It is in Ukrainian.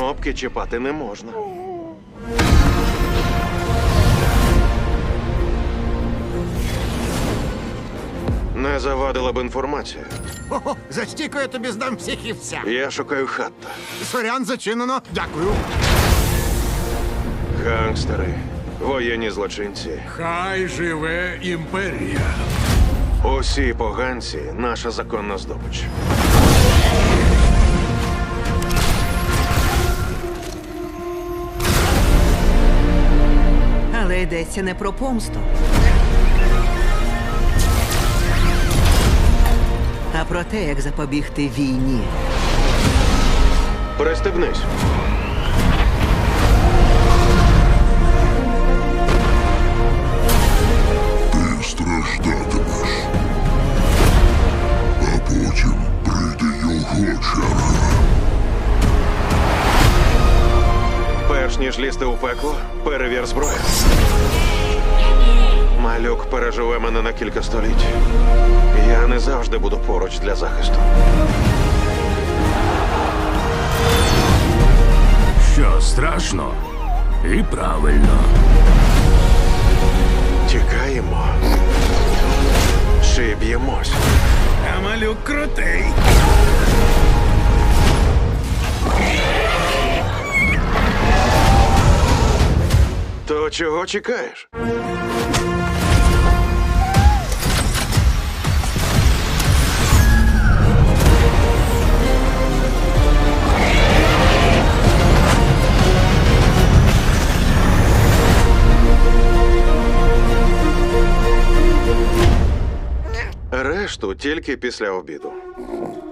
Кнопки чіпати не можна. Не завадила б інформація. Ого, за стійку я тобі здам психівця. Я шукаю Хатта. Сорян, зачинено. Дякую. Гангстери, воєнні злочинці. Хай живе імперія. Усі поганці – наша законна здобич. Але йдеться не про помсту, а про те, як запобігти війні. Пристебнись. Ти страждатимеш. А потім прийде його черга. Перш ніж лізти у пекло, перевір зброю. Малюк переживе мене на кілька століть. Я не завжди буду поруч для захисту. Що страшно? І правильно. Тікаємо. Чи б'ємось? А малюк крутий. То чого чекаєш? Решту тільки після обіду.